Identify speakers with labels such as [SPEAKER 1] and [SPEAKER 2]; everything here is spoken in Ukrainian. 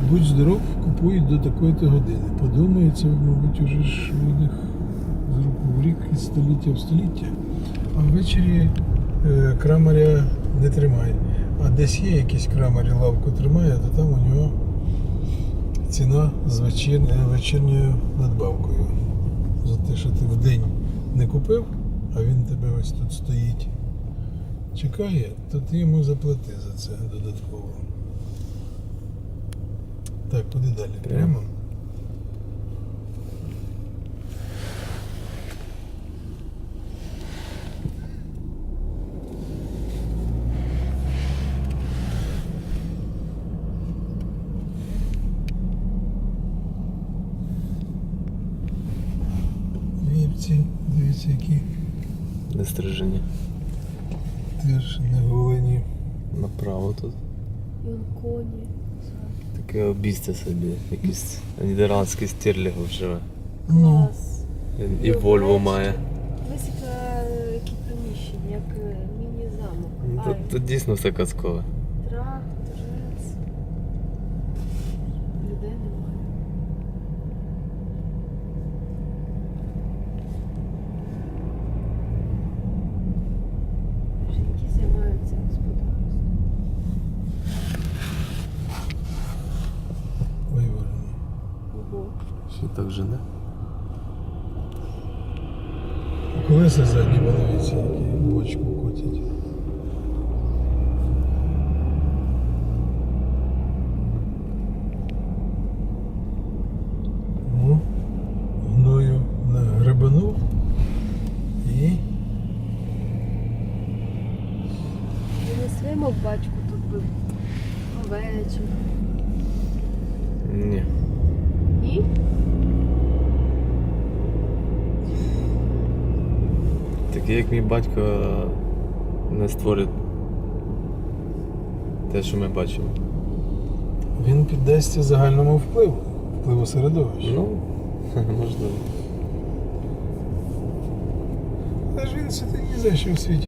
[SPEAKER 1] будь здоров, купують до такої-то години. Подумаю, це, мабуть, уже ж у них з року в рік із століття в століття. А ввечері крамаря не тримає. А десь є якийсь крамар, лавку тримає, то там у нього ціна з вечірньою надбавкою. За те, що ти вдень не купив, а він тебе ось тут стоїть, чекає, то ти йому заплати за це додатково. Так, куди далі? Прямо? Вівці, дивіться, які
[SPEAKER 2] Не стрижені.
[SPEAKER 1] теж не голені.
[SPEAKER 2] Направо тут.
[SPEAKER 3] Коні.
[SPEAKER 2] Таке обійстя собі. Якийсь нідерландський стерлігов живе.
[SPEAKER 1] Ну,
[SPEAKER 3] Клас.
[SPEAKER 2] І Вольво має.
[SPEAKER 3] Ось які приміщення, як міні-замок.
[SPEAKER 2] Тут дійсно все казкове.
[SPEAKER 3] Тракторець. Людей немає. Жінки займаються господарством.
[SPEAKER 1] виворені.
[SPEAKER 3] Ого.
[SPEAKER 2] Ще так жене.
[SPEAKER 1] Колеса задні, подивіться, які бочку котять. Ну, гною нагребанув і
[SPEAKER 3] Ми не своєму батьку тут би овечок.
[SPEAKER 2] Ні.
[SPEAKER 3] Ні?
[SPEAKER 2] Такий як мій батько не створить те, що ми бачимо.
[SPEAKER 1] він піддасться загальному впливу середовища.
[SPEAKER 2] Ну, можливо.
[SPEAKER 1] Але ж він сидить ні за що в світі.